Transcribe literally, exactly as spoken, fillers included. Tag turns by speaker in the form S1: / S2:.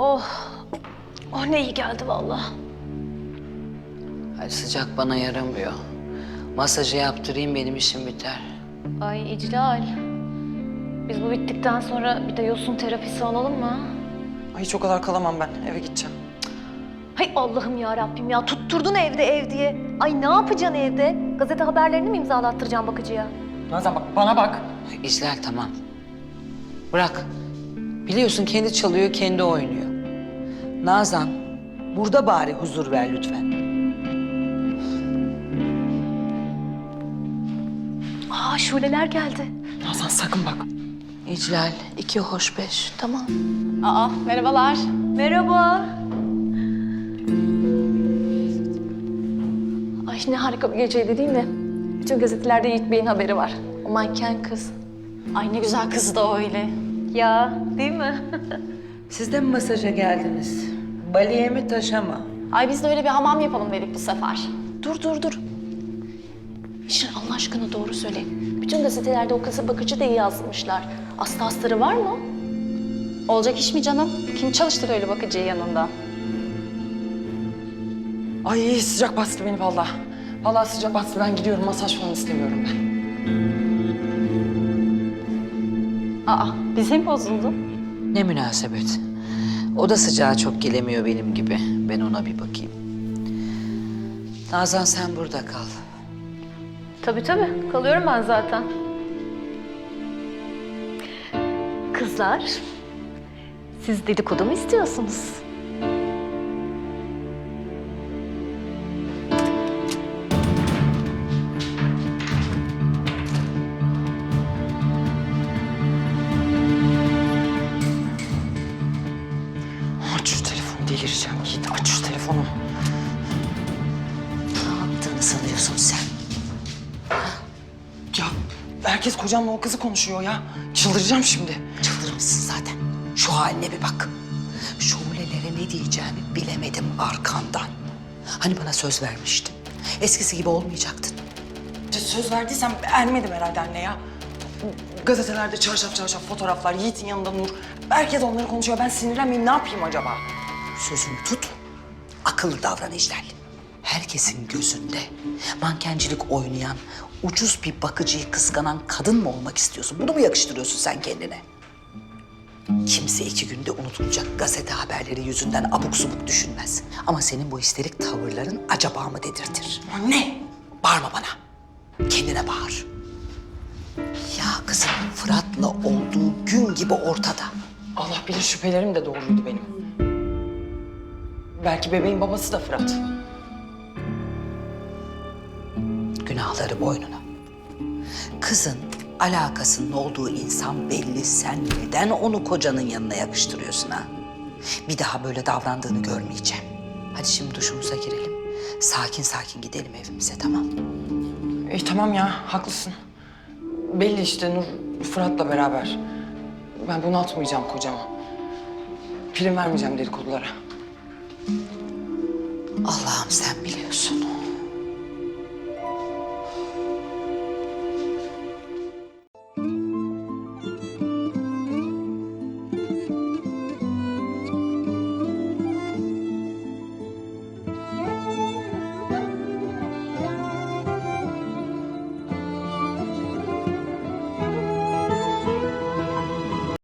S1: Oh. Oh ne iyi geldi vallahi.
S2: Ay sıcak bana yaramıyor. Masajı yaptırayım benim işim biter.
S1: Ay İclal. Biz bu bittikten sonra bir de yosun terapisi alalım mı?
S3: Ay hiç o kadar kalamam ben. Eve gideceğim.
S1: Hay Allah'ım ya Rabbim ya tutturdun evde ev diye. Ay ne yapacaksın evde? Gazete haberlerini mi imzalattıracaksın bakıcıya?
S3: Nazan bak bana bak.
S2: İclal tamam. Bırak. Biliyorsun kendi çalıyor, kendi oynuyor. Nazan, burada bari huzur ver lütfen.
S1: Aa Şuleler geldi.
S3: Nazan sakın bak.
S2: İclal, iki hoş beş, tamam.
S1: Aa merhabalar. Merhaba. Ay ne harika bir geceydi değil mi? Bütün gazetelerde Yiğit Bey'in haberi var. O manken kız.
S4: Ay ne güzel kız da öyle.
S1: Ya değil mi?
S2: Siz de mi masaja geldiniz? Baliye mi taşa mı?
S4: Ay biz de öyle bir hamam yapalım dedik bu sefer.
S1: Dur dur dur. İşin Allah aşkına doğru söyle. Bütün gazetelerde o kızı bakıcı diye yazmışlar. Aslı astarı var mı?
S4: Olacak iş mi canım? Kim çalıştır öyle bakıcıyı yanında?
S3: Ay sıcak bastı beni vallahi. Vallahi sıcak bastı. Ben gidiyorum. Masaj falan istemiyorum ben.
S4: Aa bize mi bozuldu?
S2: Ne münasebet. O da sıcağa çok gelemiyor benim gibi. Ben ona bir bakayım. Nazan sen burada kal.
S1: Tabii tabii. Kalıyorum ben zaten. Kızlar, siz dedikodu mu istiyorsunuz?
S3: Aç şu telefonu delireceğim. Yiğit aç şu telefonu.
S2: Ne yaptığını sanıyorsun sen?
S3: Ya herkes kocamla o kızı konuşuyor ya. Çıldıracağım şimdi.
S2: Çıldırmışsın zaten. Şu haline bir bak. Şulelere ne diyeceğimi bilemedim arkandan. Hani bana söz vermiştin. Eskisi gibi olmayacaktın.
S3: Söz verdiysem ermedim herhalde anne ya. Gazetelerde çarşaf çarşaf fotoğraflar, Yiğit'in yanında Nur. Herkes onları konuşuyor. Ben sinirlenmeyeyim. Ne yapayım acaba?
S2: Sözünü tut. Akıllı davran İclal. Herkesin gözünde mankencilik oynayan, ucuz bir bakıcıyı kıskanan kadın mı olmak istiyorsun? Bunu mu yakıştırıyorsun sen kendine? Kimse iki günde unutulacak gazete haberleri yüzünden abuk subuk düşünmez. Ama senin bu histerik tavırların acaba mı dedirtir?
S3: Anne!
S2: Bağırma bana. Kendine bağır. Ya kızım Fırat'la olduğu gün gibi ortada.
S3: Allah bilir şüphelerim de doğruydu benim. Belki bebeğin babası da Fırat.
S2: Günahları boynuna. Kızın alakasının olduğu insan belli. Sen neden onu kocanın yanına yakıştırıyorsun ha? Bir daha böyle davrandığını görmeyeceğim. Hadi şimdi duşumuza girelim. Sakin sakin gidelim evimize, tamam?
S3: İyi tamam ya, haklısın. Belli işte Nur Fırat'la beraber. Ben bunu atmayacağım kocama. Prim vermeyeceğim dedikodulara.
S2: Allah'ım sen biliyorsun.